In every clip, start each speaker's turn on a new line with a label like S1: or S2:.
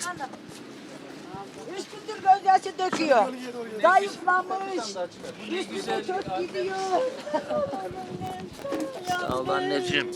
S1: Hanım. 3 gündür gözyaşı döküyor. Zayıflamış. Üstüne çok gidiyor.
S2: Sağ ol anneciğim.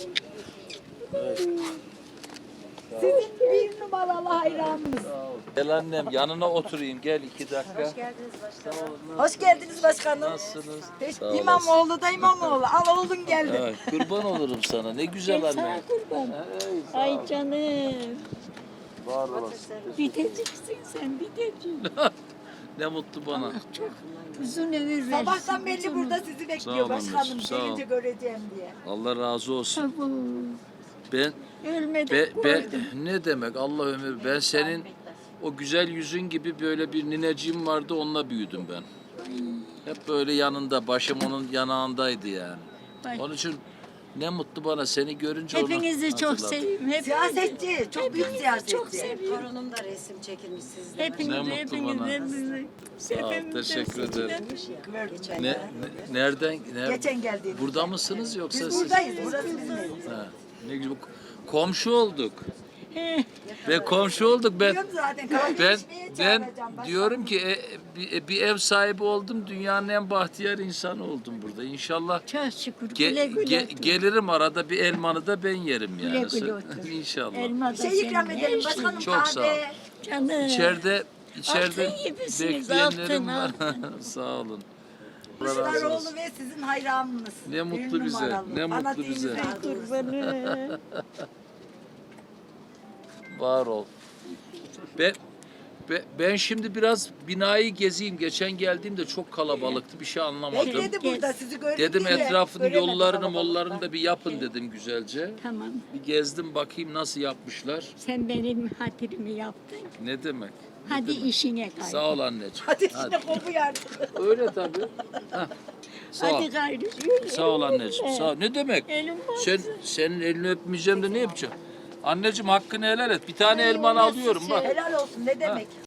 S1: Sizin bir numaralı hayranınız.
S2: Gel annem yanına oturayım gel 2 dakika.
S1: Hoş geldiniz başkanım.
S2: Nasılsınız? Sağ olasın.
S1: İmamoğlu da İmamoğlu. Al oğlun geldi.
S2: Ay, kurban olurum sana ne güzel anne.
S3: Kurban.
S2: Ey, sağ ol.
S3: Ay canım.
S2: Var olasın.
S3: Biteceksin sen biteceksin.
S2: Ne mutlu bana.
S3: Çok uzun ömür versin.
S1: Sabahtan belli burada sizi
S2: Sağ
S1: bekliyor
S2: ol
S1: başkanım.
S2: anneciğim, sağ ol.
S1: Gelince göreceğim diye.
S2: Allah razı olsun.
S3: Tabu.
S2: Ben
S3: Ölmeden koydum.
S2: ne demek Allah ömür ben senin o güzel yüzün gibi böyle bir nineciğim vardı onunla büyüdüm ben. Hep böyle yanında başım onun yanağındaydı yani.
S3: Ay.
S2: Onun için ne mutlu bana seni görünce
S3: Hepinizi
S2: onu
S3: çok
S2: hatırladım.
S3: seviyorum. Hepinizi.
S1: Siyasetçi, çok büyük
S3: Hepinizi
S1: siyasetçi.
S3: çok seviyorum.
S4: Torunum da resim çekilmiş sizle.
S3: Hepinizi,
S2: Ne mutlu
S3: hepinizi,
S2: bana.
S3: hepinizi.
S2: Sağ ol, teşekkür ederim.
S1: Geçen,
S2: Nereden?
S1: Geçen geldi.
S2: Burada mısınız yoksa
S1: Biz
S2: siz?
S1: buradayız. Burası bizim evimiz.
S2: Ha, ne güzel. Komşu olduk.
S3: He,
S2: Ve komşu olduk ben.
S1: Biliyorum zaten. kahve
S2: Ben
S1: içmeye
S2: ben
S1: çağıracağım başkanım.
S2: diyorum ki bir ev sahibi oldum. Dünyanın en bahtiyar insanı oldum burada. İnşallah
S3: çok şükür. Güle güle otur.
S2: gelirim arada bir elmanı da ben yerim yani.
S3: Güle güle otur.
S2: İnşallah.
S3: Elma da
S1: Bir şey ikram
S3: senin,
S1: edelim
S3: her
S1: başkanım.
S3: şeyin.
S2: Çok sağ ol.
S1: kahve.
S3: Canım.
S2: İçeride
S3: Altın gibisiniz,
S2: bekleyenlerim var.
S3: altın.
S2: Sağ olun. Allah razı olsun.
S1: Kılıçdaroğlu ve sizin hayranınız.
S2: Ne mutlu
S1: Bir
S2: bize,
S1: numaralı.
S2: ne mutlu
S1: Fanatiğinize
S2: bize.
S3: Kurbanı.
S2: Var ol. Ben şimdi biraz binayı gezeyim. Geçen geldiğimde çok kalabalıktı. Bir şey anlamadım.
S1: Bekledi burada sizi gördüm
S2: Dedim
S1: diye.
S2: etrafını
S1: Göremedim
S2: yollarını
S1: kalabalıktan.
S2: mollarını da bir yapın dedim güzelce.
S3: Tamam.
S2: Bir gezdim bakayım nasıl yapmışlar.
S3: Sen benim hatırımı yaptın.
S2: Ne demek?
S3: Hadi işine kay.
S2: Sağ ol anneciğim.
S1: Hadi işte kopu yardım.
S2: Öyle tabii. Hah. Sağ ol.
S3: Hadi gayrı. Yürü.
S2: Sağ ol anneciğim. Sağ ol. Ne demek?
S3: Elim
S2: Senin elini öpmeyeceğim de ne yapacağım? Anneciğim hakkını helal et. Bir tane elmanı alıyorum bak.
S1: Helal olsun ne demek.